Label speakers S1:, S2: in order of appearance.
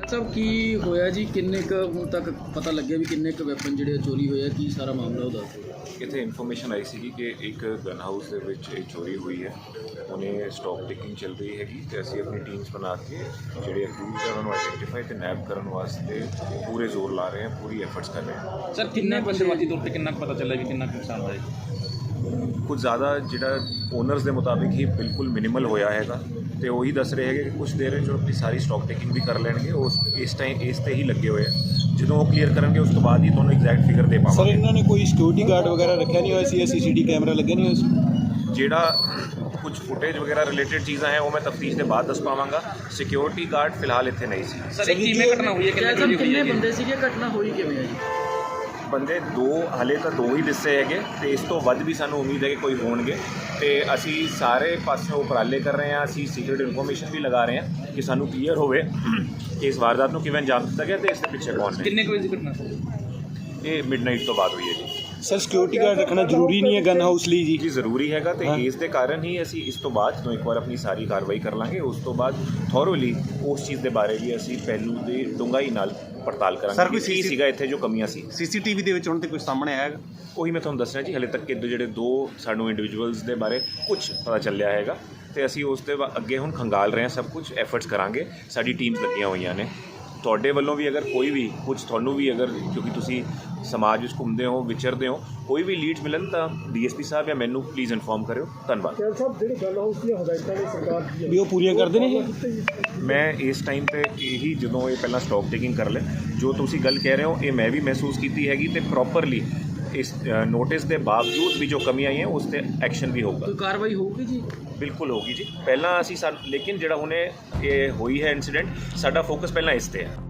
S1: ਸਾਹਿਬ ਕੀ ਹੋਇਆ ਜੀ, ਕਿੰਨੇ ਕੁ ਹੁਣ ਤੱਕ ਪਤਾ ਲੱਗਿਆ ਵੀ ਕਿੰਨੇ ਕੁ ਵੈਪਨ ਜਿਹੜੇ ਚੋਰੀ ਹੋਏ ਆ, ਕੀ ਸਾਰਾ ਮਾਮਲਾ ਉਹ ਦੱਸ ਦਿਓ।
S2: ਇੱਥੇ ਇਨਫੋਰਮੇਸ਼ਨ ਆਈ ਸੀ ਕਿ ਇੱਕ ਗਨ ਹਾਊਸ ਦੇ ਵਿੱਚ ਇਹ ਚੋਰੀ ਹੋਈ ਹੈ। ਉਹਨੇ ਸਟਾਕ ਟੇਕਿੰਗ ਚੱਲ ਰਹੀ ਹੈਗੀ ਤੇ ਅਸੀਂ ਆਪਣੀ ਟੀਮਸ ਬਣਾ ਕੇ ਜਿਹੜੇ ਅਕਿਊਜ਼ਡ ਹੈ ਉਹਨਾਂ ਨੂੰ ਆਈਡੈਂਟੀਫਾਈ ਤੇ ਨੈਬ ਕਰਨ ਵਾਸਤੇ ਪੂਰੇ ਜ਼ੋਰ ਲਾ ਰਹੇ ਹਾਂ, ਪੂਰੀ ਐਫਰਟਸ ਕਰ ਰਹੇ ਹਾਂ।
S3: ਸਰ ਕਿੰਨੇ ਬੰਦੇਬਾਜ਼ੀ ਤੌਰ ਤੇ ਕਿੰਨਾ ਕੁ ਪਤਾ ਚੱਲਿਆ ਵੀ ਕਿੰਨਾ ਕੁ ਨੁਕਸਾਨ ਹੋਇਆ?
S2: ਕੁਝ ਜ਼ਿਆਦਾ ਜਿਹੜਾ ਓਨਰਸ ਦੇ ਮੁਤਾਬਿਕ ਹੀ ਬਿਲਕੁਲ ਮਿਨੀਮਲ ਹੋਇਆ ਹੈਗਾ ਤੇ ਉਹੀ ਦੱਸ ਰਹੇ ਹੈਗੇ ਕਿ ਕੁਝ ਦੇਰ ਵਿੱਚ ਆਪਣੀ ਸਾਰੀ ਸਟਾਕ ਟੇਕਿੰਗ ਵੀ ਕਰ ਲੈਣਗੇ। ਉਸ ਇਸ ਤੇ ਹੀ ਲੱਗੇ ਹੋਏ ਆ। ਜਦੋਂ ਉਹ ਕਲੀਅਰ ਕਰਨਗੇ ਉਸ ਤੋਂ ਬਾਅਦ ਹੀ ਤੁਹਾਨੂੰ ਐਗਜ਼ੈਕਟ ਫਿਗਰ ਦੇ ਪਾਵਾਂਗੇ।
S4: ਸਰ ਇਹਨਾਂ ਨੇ ਕੋਈ ਸਿਕਿਉਰਿਟੀ ਗਾਰਡ ਵਗੈਰਾ ਰੱਖਿਆ ਨਹੀਂ ਹੋਇਆ ਸੀ? ਸੀਸੀਟੀ ਕੈਮਰਾ ਲੱਗੇ ਨਹੀਂ ਹੋਏ ਸੀ?
S2: ਜਿਹੜਾ ਕੁਝ ਫੁਟੇਜ ਵਗੈਰਾ ਰਿਲੇਟਡ ਚੀਜ਼ਾਂ ਹੈ ਉਹ ਮੈਂ ਤਫਤੀਸ਼ ਦੇ ਬਾਅਦ ਦੱਸ ਪਾਵਾਂਗਾ। ਸਿਕਿਉਰਿਟੀ ਗਾਰਡ ਫਿਲਹਾਲ ਇੱਥੇ ਨਹੀਂ ਸੀ।
S3: ਸਰ ਕਿਵੇਂ ਘਟਨਾ ਹੋਈ ਹੈ?
S1: ਕਿੰਨੇ ਬੰਦੇ ਸੀਗੇ, ਘਟਨਾ ਹੋਈ ਕਿਵੇਂ ਹੈ ਜੀ?
S2: ਬੰਦੇ ਹਾਲੇ ਤਾਂ ਦੋ ਹੀ ਦੱਸੇ ਹੈਗੇ ਤੇ ਇਸ ਤੋਂ ਵੱਧ ਵੀ ਸਾਨੂੰ ਉਮੀਦ ਹੈ ਕਿ ਕੋਈ ਹੋਣਗੇ ਤੇ ਅਸੀਂ ਸਾਰੇ ਪਾਸਿਓਂ ਉਪਰਾਲੇ ਕਰ ਰਹੇ ਹਾਂ। ਅਸੀਂ ਸੀਕ੍ਰੀਟ ਇਨਫੋਰਮੇਸ਼ਨ ਵੀ ਲਗਾ ਰਹੇ ਹਾਂ ਕਿ ਸਾਨੂੰ ਕਲੀਅਰ ਹੋਵੇ ਕਿ ਇਸ ਵਾਰਦਾਤ ਨੂੰ ਕਿਵੇਂ ਅੰਜਾਮ ਦਿੱਤਾ ਗਿਆ ਤੇ ਇਸ ਦੇ ਪਿੱਛੇ ਕੌਣ ਨੇ।
S3: ਕਿੰਨੇ ਕੁ ਵਜੇ ਦੀ ਘਟਨਾ ਸਰ?
S2: ਇਹ ਮਿਡਨਾਈਟ ਤੋਂ ਬਾਅਦ ਹੋਈ ਹੈ ਜੀ।
S4: ਸਰ ਸਿਕਿਉਰਿਟੀ ਗਾਰਡ ਰੱਖਣਾ ਜ਼ਰੂਰੀ ਨਹੀਂ ਹੈ ਗਨ ਹਾਊਸ ਲਈ ਜੀ?
S2: ਜੀ ਜ਼ਰੂਰੀ ਹੈਗਾ ਤੇ ਇਸ ਦੇ ਕਾਰਨ ਹੀ ਅਸੀਂ ਇਸ ਤੋਂ ਬਾਅਦ ਜਦੋਂ ਇੱਕ ਵਾਰ ਆਪਣੀ ਸਾਰੀ ਕਾਰਵਾਈ ਕਰ ਲਾਂਗੇ ਉਸ ਤੋਂ ਬਾਅਦ ਥੋਰੋਲੀ ਉਸ ਚੀਜ਼ ਦੇ ਬਾਰੇ ਵੀ ਅਸੀਂ ਪਹਿਲੂ ਦੀ ਡੂੰਘਾਈ ਨਾਲ ਪੜਤਾਲ ਕਰਾਂਗੇ ਕਿ ਕੀ ਸੀਗਾ ਇੱਥੇ ਜੋ ਕਮੀਆਂ ਸੀ।
S4: ਸੀਸੀਟੀਵੀ ਦੇ ਵਿੱਚ ਹੁਣ ਤੇ ਕੁਝ ਸਾਹਮਣੇ ਆਇਆ?
S2: ਉਹੀ ਮੈਂ ਤੁਹਾਨੂੰ ਦੱਸਣਾ ਜੀ, ਹਲੇ ਤੱਕ ਜਿਹੜੇ ਦੋ ਸਾਨੂੰ ਇੰਡੀਵਿਜੂਅਲਸ ਦੇ ਬਾਰੇ ਕੁਝ ਪਤਾ ਚੱਲਿਆ ਹੈਗਾ ਤੇ ਅਸੀਂ ਉਸ ਦੇ ਅੱਗੇ ਹੁਣ ਖੰਗਾਲ ਰਹੇ ਹਾਂ, ਸਭ ਕੁਝ ਐਫਰਟਸ ਕਰਾਂਗੇ। ਸਾਡੀ ਟੀਮਸ ਲੱਗੀਆਂ ਹੋਈਆਂ ਨੇ। ਤੁਹਾਡੇ ਵੱਲੋਂ ਵੀ ਅਗਰ ਕੋਈ ਵੀ ਕੁਝ ਤੁਹਾਨੂੰ ਵੀ ਅਗਰ ਕਿਉਂਕਿ ਤੁਸੀਂ ਸਮਾਜ ਵਿੱਚ ਘੁੰਮਦੇ ਹੋ ਵਿਚਰਦੇ ਹੋ ਕੋਈ ਵੀ ਲੀਡਸ ਮਿਲਣ ਤਾਂ ਡੀਐਸਪੀ ਸਾਹਿਬ ਜਾਂ ਮੈਨੂੰ ਪਲੀਜ਼ ਇਨਫੋਰਮ ਕਰਿਓ। ਧੰਨਵਾਦ।
S5: ਸਾਹਿਬ ਜਿਹੜੀ ਗਨ ਹਾਊਸ ਦੀਆਂ ਹਦਾਇਤਾਂ ਨੇ ਸਰਕਾਰ ਦੀਆਂ
S4: ਵੀ ਉਹ ਪੂਰੀਆਂ ਕਰਦੇ ਨੇ?
S2: ਮੈਂ ਇਸ ਟਾਈਮ ਤੇ ਇਹੀ ਜਦੋਂ ਇਹ ਪਹਿਲਾਂ ਸਟਾਕ ਟੇਕਿੰਗ ਕਰ ਲੈ ਜੋ ਤੁਸੀਂ ਗੱਲ ਕਹਿ ਰਹੇ ਹੋ ਇਹ ਮੈਂ ਵੀ ਮਹਿਸੂਸ ਕੀਤੀ ਹੈਗੀ ਤੇ ਪ੍ਰੋਪਰਲੀ ਇਸ ਨੋਟਿਸ ਦੇ ਬਾਵਜੂਦ ਵੀ ਜੋ ਕਮੀ ਆਈ ਹੈ ਉਸ ਤੇ ਐਕਸ਼ਨ ਵੀ ਹੋਊਗਾ।
S1: ਕੋਈ ਕਾਰਵਾਈ ਹੋਊਗੀ ਜੀ?
S2: ਬਿਲਕੁਲ ਹੋਗੀ ਜੀ। ਪਹਿਲਾਂ ਅਸੀਂ ਲੇਕਿਨ ਜਿਹੜਾ ਹੁਣੇ ਇਹ ਹੋਈ ਹੈ ਇਨਸੀਡੈਂਟ ਸਾਡਾ ਫੋਕਸ ਪਹਿਲਾਂ ਇਸ ਤੇ ਹੈ।